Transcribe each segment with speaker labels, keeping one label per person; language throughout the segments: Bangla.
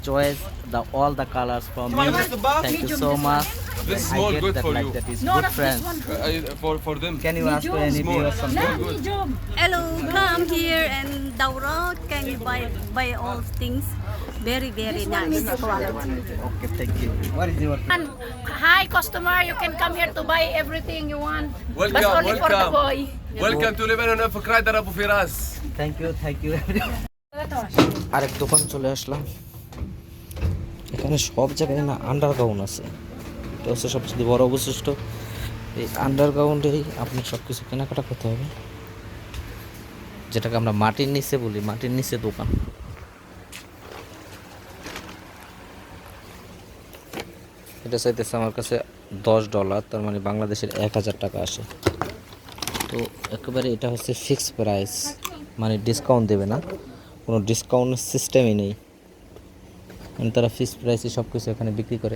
Speaker 1: choice the all the colors from you. Thank you so much.
Speaker 2: This
Speaker 1: I
Speaker 2: small
Speaker 1: get
Speaker 2: good
Speaker 1: that
Speaker 2: for
Speaker 1: like
Speaker 2: you.
Speaker 1: that is
Speaker 3: No,
Speaker 1: good
Speaker 3: not
Speaker 1: friends.
Speaker 3: this one.
Speaker 2: For them.
Speaker 1: Can you ask for any
Speaker 2: Small.
Speaker 1: viewers something?
Speaker 3: Nah, medium.
Speaker 4: Hello, come here and Daura. Can you buy all things? Very nice quality.
Speaker 1: Okay, thank you. What is your
Speaker 3: And hi, customer. You can come here to buy everything you want. But
Speaker 2: Welcome,
Speaker 3: only for the
Speaker 2: welcome.
Speaker 3: boy.
Speaker 2: Welcome to Lebanon of Kraidar Abu Firas.
Speaker 1: thank you everyone. আরেক দোকান চলে আসলাম। এখানে সব জায়গায় না আন্ডারগ্রাউন্ড আছে, এটা হচ্ছে সবচেয়ে বড় বৈশিষ্ট্য। এই আন্ডারগ্রাউন্ডেই আপনার সব কিছু কেনাকাটা করতে হবে, যেটাকে আমরা মাটির নিচে বলি, মাটির নিচে দোকান। এটা চাইতেছে আমার কাছে $10, তার মানে বাংলাদেশের 1000 টাকা আসে। তো একেবারে এটা হচ্ছে ফিক্স প্রাইস, মানে ডিসকাউন্ট দেবে না, কোনো ডিসকাউন্টের সিস্টেমই নেই। তারা ফিক্স প্রাইসে সব কিছু এখানে বিক্রি করে।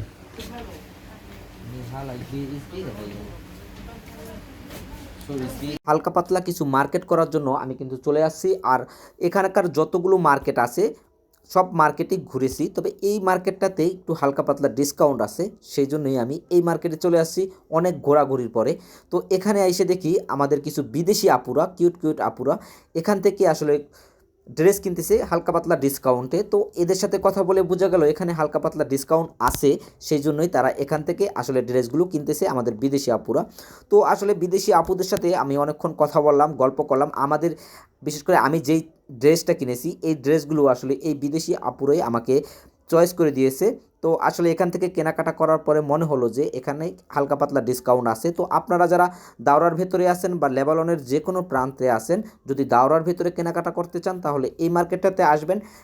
Speaker 1: হালকা পাতলা কিছু মার্কেট করার জন্য আমি কিন্তু চলে আসছি। আর এখানকার যতগুলো মার্কেট আছে সব মার্কেটেই ঘুরেছি, তবে এই মার্কেটটাতে একটু হালকা পাতলা ডিসকাউন্ট আছে, সেই জন্যই আমি এই মার্কেটে চলে আসছি অনেক ঘোরাঘুরির পরে। তো এখানে এসে দেখি আমাদের কিছু বিদেশি আপুরা, কিউট আপুরা এখান থেকে আসলে ড্রেস কিনতেছে হালকা পাতলা ডিসকাউন্টে। তো এদের সাথে কথা বলে বোঝা গেল এখানে হালকা পাতলা ডিসকাউন্ট আছে, সেই জন্যই তারা এখান থেকে আসলে ড্রেসগুলো কিনতেছে আমাদের বিদেশি আপুরা। তো আসলে বিদেশি আপুদের সাথে আমি অনেকক্ষণ কথা বললাম, গল্প করলাম। আমাদের বিশেষ করে আমি যেই ড্রেসটা কিনেছি এই ড্রেসগুলো আসলে এই বিদেশি আপুরাই আমাকে চয়েস করে দিয়েছে। তো আসলে এখান থেকে কেনাকাটা করার পরে মনে হলো যে এখানে হালকা পাতলা ডিসকাউন্ট আছে। তো আপনারা যারা দাওরার ভেতরে আছেন বা লেবাননের যে কোনো প্রান্তে আছেন, যদি দাওরার ভেতরে কেনাকাটা করতে চান তাহলে এই মার্কেটটাতে আসবেন।